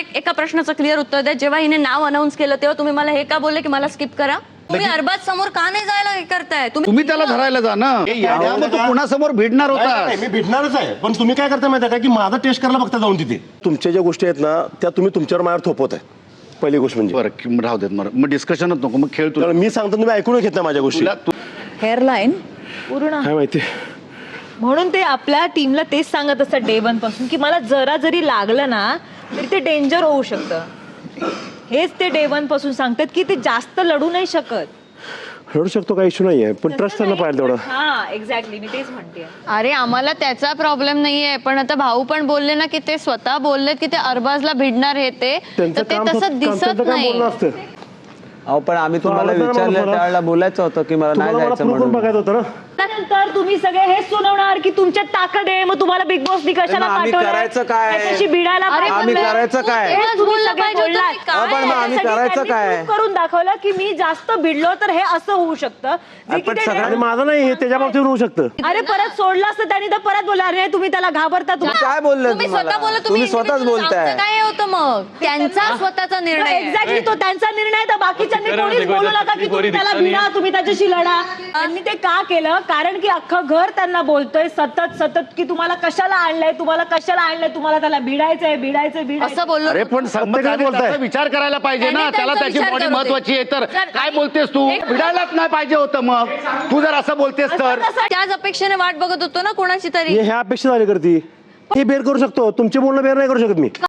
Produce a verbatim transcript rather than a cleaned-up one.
एक एका प्रश्नाचं क्लिअर उत्तर द्या. जेव्हा हिने नाव अनाऊन्स केलं तेव्हा तुम्ही मला हे का बोलले की मला स्किप करा? तुम्ही अरबाज समोर का नाही जायला हे करताय? तुम्ही त्याला धरायला जा ना. मग तू कुणासमोर भिडणार होता? मी भिडणारच आहे, पण तुम्ही काय करता माहिती आहे का की माझा टेस्ट करायला बघता जाऊन तिथे तुमच्या ज्या गोष्टी आहेत ना त्या तुम्ही तुमच्यावर माझ्यावर थोपवत आहे. पहिली गोष्ट म्हणजे बरं राहू देत मग मग डिस्कशनच नको, मग खेळ तुला. मी सांगतो तुम्ही ऐकून घेत नाही माझ्या गोष्टी. हेअरलाईन पूर्ण काय माहिती म्हणून ते आपल्या टीमला तेच सांगत असतात डे वन पासून की मला जरा जरी लागलं ना तरी ते डेंजर होऊ शकतं. हेच ते डे वन पासून सांगतात की ते जास्त लढू नाही शकत. लढू शकतो काही इश्यू नाहीये, पण ट्रस्ट त्यांना पाहिजे तेवढं. हा एक्झॅक्टली, मी तेच म्हणते. अरे आम्हाला त्याचा प्रॉब्लेम नाहीये, पण आता भाऊ पण बोलले ना की ते स्वतः बोलले की ते अरबाजला भिडणार हे ते तर ते तसं दिसत नाही. अहो पण आम्ही तुम्हाला विचारलं त्यावेळेला बोलायचं होतं की मला नाही जायचं म्हणून. बघायचं होतं ना. त्यानंतर तुम्ही सगळे हेच सुनावणार की तुमच्यात ताकद आहे, मग तुम्हाला बिग बॉस कशाला आम्ही करायचं काय? त्याच्याशी भिडायला अरे पण आम्ही मग करायचं तू काय? तेव्हाच तुम्ही बोललं सगळे पाहिजे होतं बोललात. की काय? पण मग आम्ही त्यासाठी करायचं त्यांनी काय? prove करून दाखवलं की मी जास्त भिडलो तर हे असं होऊ शकतं जे की पण ते- सगळ्यांनी आणि माझं नाही हे त्याच्या बाबतीत होऊ शकतं. अरे परत सोडलं असतं त्यांनी तर परत बोला अरे तुम्ही त्याला घाबरता तुम्ही काय बोलले तुम्ही स्वतः बोला, तुम्ही स्वतःच individual. बोलताय. आमचं काय होतं मग त्यांचा स्वतःचा निर्णय आहे. एक्झॅक्टली तो त्यांचा निर्णय, तर बाकीच्यांनी कोणीच बोलू नका की तुम्ही त्याला भिडा, तुम्ही त्याच्याशी लढा. त्यांनी ते का केलं? कारण की अख्खं घर त्यांना बोलतोय सतत सतत की तुम्हाला कशाला आणलंय, तुम्हाला कशाला आणलंय, तुम्हाला त्याला भिडायचंय भिडायचंय भिडायचं. असं बोललो. अरे पण प्रत्येकाने त्याचा विचार करायला पाहिजे ना. त्यांनी त्याला त्यांचा त्याची विचार बॉडी करू दे. महत्वाची आहे. तर जर- काय बोलतेस तू? एक- भिडायलाच नाही पाहिजे होतं मग तू जर असं बोलतेस तर. त्याच अपेक्षेने वाट बघत होतो ना कोणाची तरी. हे ह्या अपेक्षा झाली करती हे बेर करू शकतो, तुमचे बोलणं बेर नाही करू शकत मी.